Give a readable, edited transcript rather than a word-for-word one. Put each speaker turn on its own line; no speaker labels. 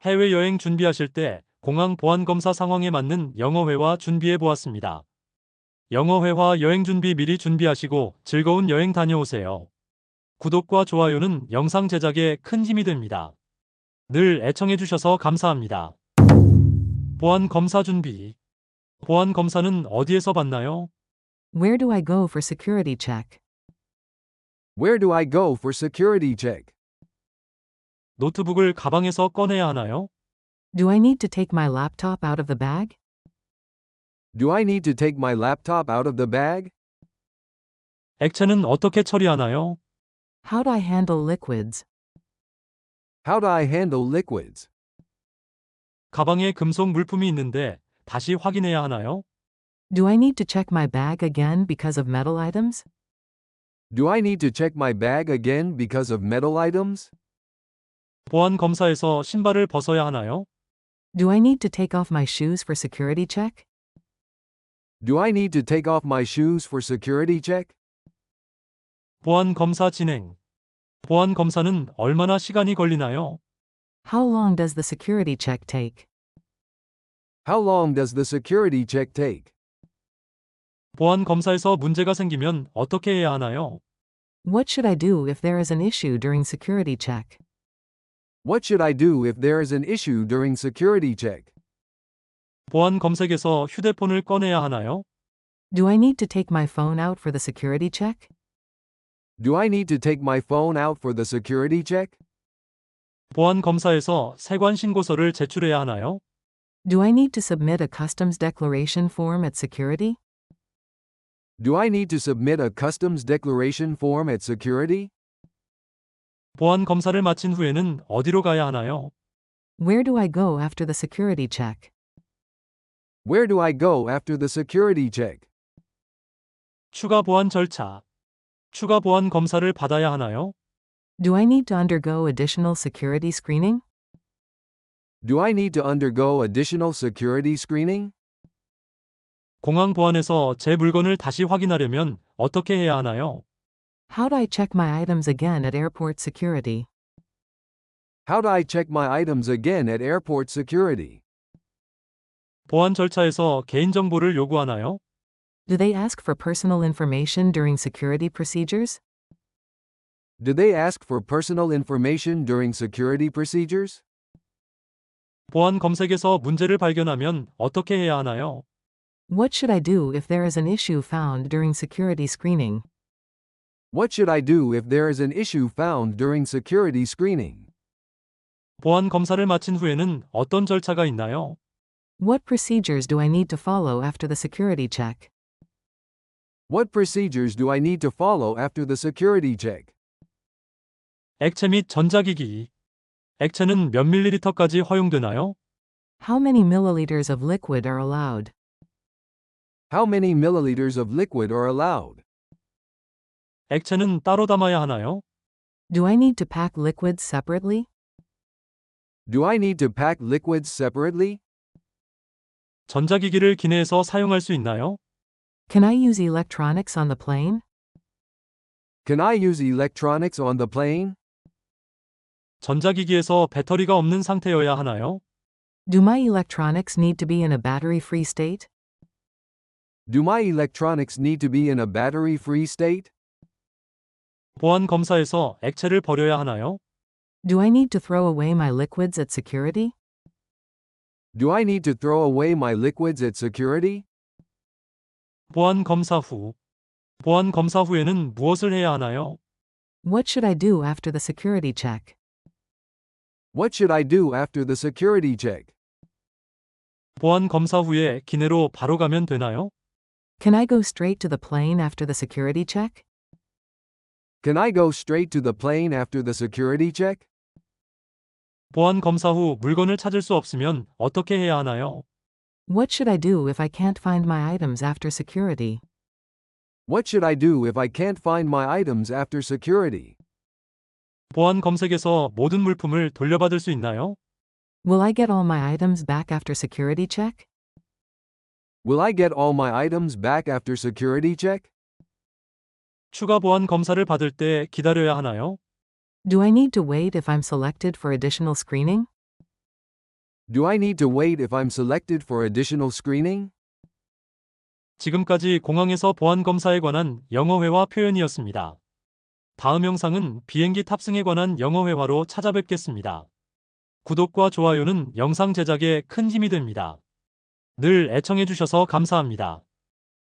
해외여행 준비하실 때 공항 보안 검사 상황에 맞는 영어회화 준비해 보았습니다. 영어회화 여행 준비 미리 준비하시고 즐거운 여행 다녀오세요. 구독과 좋아요는 영상 제작에 큰 힘이 됩니다. 늘 애청해 주셔서 감사합니다. 보안 검사 준비. 보안 검사는 어디에서 받나요?
Where do I go for security check?
Where do I go for security check?
노트북을 가방에서 꺼내야 하나요?
Do I need to take my laptop out of the bag?
Do I need to take my laptop out of the bag?
액체는 어떻게 처리하나요?
How do I handle liquids?
How do I handle liquids?
가방에 금속 물품이 있는데 다시 확인해야 하나요?
Do I need to check my bag again because of metal items?
Do I need to check my bag again because of metal items?
보안 검사에서 신발을 벗어야 하나요?
Do I need to take off my shoes for security check?
Do I need to take off my shoes for security check?
보안 검사 진행. 보안 검사는 얼마나 시간이 걸리나요?
How long does the security check take?
How long does the security check take?
보안 검사에서 문제가 생기면 어떻게 해야 하나요?
What should I do if there is an issue during security check?
What should I do if there is an issue during security check?
보안 검색에서 휴대폰을 꺼내야 하나요?
Do I need to take my phone out for the security check?
Do I need to take my phone out for the security check?
보안 검사에서 세관 신고서를 제출해야 하나요?
Do I need to submit a customs declaration form at security?
Do I need to submit a customs declaration form at security?
보안 검사를 마친 후에는 어디로 가야 하나요?
Where do I go after the security check?
Where do I go after the security check?
추가 보안 절차. 추가 보안 검사를 받아야 하나요?
Do I need to undergo additional security screening?
Do I need to undergo additional security screening?
공항 보안에서 제 물건을 다시 확인하려면 어떻게 해야 하나요?
How do I check my items again at airport security?
How do I check my items again at airport security?
보안 절차에서 개인정보를 요구하나요?
Do they ask for personal information during security procedures?
Do they ask for personal information during security procedures?
보안 검색에서 문제를 발견하면 어떻게 해야 하나요?
What should I do if there is an issue found during security screening?
What should I do if there is an issue found during security screening?
보안 검사를 마친 후에는 어떤 절차가 있나요?
What procedures do I need to follow after the security check?
What procedures do I need to follow after the security check?
액체 및 전자기기. 액체는 몇 밀리리터까지 허용되나요?
How many milliliters of liquid are allowed?
How many milliliters of liquid are allowed?
액체는 따로 담아야 하나요?
Do I need to pack liquids separately?
Do I need to pack liquids separately?
전자기기를 기내에서 사용할 수 있나요?
Can I use electronics on the plane?
Can I use electronics on the plane?
전자기기에서 배터리가 없는 상태여야 하나요?
Do my electronics need to be in a battery-free state?
Do my electronics need to be in a battery-free state?
보안 검사에서 액체를 버려야 하나요?
Do I need to throw away my liquids at security?
Do I need to throw away my liquids at security?
보안 검사 후. 보안 검사 후에는 무엇을 해야 하나요?
What should I do after the security check?
What should I do after the security check?
보안 검사 후에 기내로 바로 가면 되나요?
Can I go straight to the plane after the security check?
Can I go straight to the plane after the security check?
보안 검사 후 물건을 찾을 수 없으면 어떻게 해야 하나요?
What should I do if I can't find my items after security?
What should I do if I can't find my items after security?
보안 검색에서 모든 물품을 돌려받을 수 있나요?
Will I get all my items back after security check?
Will I get all my items back after security check?
추가 보안 검사를 받을 때 기다려야 하나요?
Do I need to wait if I'm selected for additional screening?
Do I need to wait if I'm selected for additional screening?
지금까지 공항에서 보안 검사에 관한 영어회화 표현이었습니다. 다음 영상은 비행기 탑승에 관한 영어회화로 찾아뵙겠습니다. 구독과 좋아요는 영상 제작에 큰 힘이 됩니다. 늘 애청해주셔서 감사합니다.